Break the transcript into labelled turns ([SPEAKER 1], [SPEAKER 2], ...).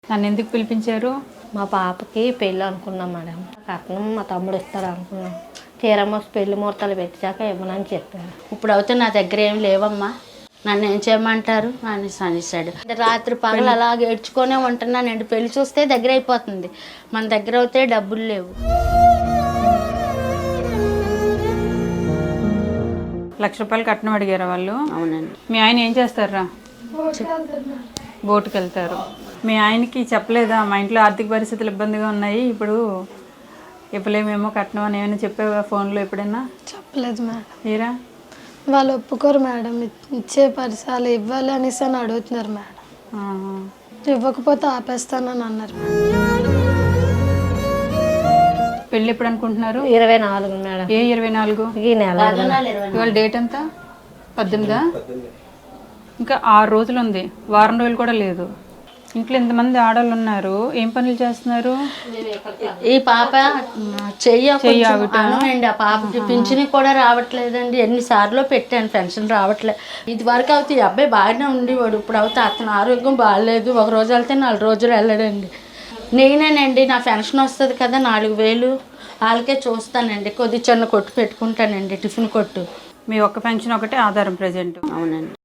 [SPEAKER 1] నన్ను ఎందుకు పిలిపించారు?
[SPEAKER 2] మా పాపకి పెళ్ళి అనుకున్నాం మేడం. కట్నం మా తమ్ముడు ఇస్తాడు అనుకున్నాం. తీరమోసి పెళ్లి ముహూర్తాలు పెట్టాక ఇవ్వనని చెప్పాను.
[SPEAKER 3] ఇప్పుడు అయితే నా దగ్గర ఏం లేవమ్మా, నన్ను ఏం చేయమంటారు అని అనేసాడు. రాత్రి పగలు అలాగే ఏడ్చుకొనే ఉంటున్నానండి. పెళ్లి చూస్తే దగ్గర అయిపోతుంది, మన దగ్గర అయితే డబ్బులు లేవు.
[SPEAKER 1] ₹1,00,000 కట్నం అడిగారా వాళ్ళు?
[SPEAKER 3] అవునండి.
[SPEAKER 1] మీ ఆయన ఏం చేస్తారా? బోటుకి వెళ్తారు. మీ ఆయనకి చెప్పలేదా మా ఇంట్లో ఆర్థిక పరిస్థితులు ఇబ్బందిగా ఉన్నాయి, ఇప్పుడు ఇవ్వలేమేమో కట్నం అని ఏమైనా చెప్పావా ఫోన్లో ఎప్పుడైనా?
[SPEAKER 4] చెప్పలేదు మేడం.
[SPEAKER 1] మీరా?
[SPEAKER 4] వాళ్ళు ఒప్పుకోరు మేడం. ఇచ్చే పరిసరాలు ఇవ్వాలి అనేసి అని అడుగుతున్నారు మేడం. ఇవ్వకపోతే ఆపేస్తానని అన్నారు మేడం.
[SPEAKER 1] పెళ్ళి ఎప్పుడు అనుకుంటున్నారు?
[SPEAKER 2] 24 మేడం.
[SPEAKER 1] ఏ 24?
[SPEAKER 2] ఈ నెల
[SPEAKER 1] ఇవాళ డేట్ ఎంత? 18. ఇంకా 6 రోజులు ఉంది, వారం రోజులు కూడా లేదు. ఇంట్లో ఎంతమంది ఆడవాళ్ళు ఉన్నారు, ఏం పనులు చేస్తున్నారు?
[SPEAKER 3] ఈ పాప చెయ్యండి. ఆ పాపకి పింఛని కూడా రావట్లేదండి. ఎన్నిసార్లు పెట్టాను, పెన్షన్ రావట్లేదు. ఇది వరకు అవుతే ఈ అబ్బాయి బాగానే ఉండేవాడు. ఇప్పుడు అవుతే అతను ఆరోగ్యం బాగాలేదు. ఒక రోజు వెళ్తే 4 రోజులు వెళ్ళడండి. నేనేనండి, నా పెన్షన్ వస్తుంది కదా 4,000, వాళ్ళకే చూస్తానండి. కొద్ది చిన్న కొట్టు పెట్టుకుంటానండి, టిఫిన్ కొట్టు.
[SPEAKER 1] మీ ఒక్క పెన్షన్ ఒకటే ఆధారం ప్రజెంట్?
[SPEAKER 3] అవునండి.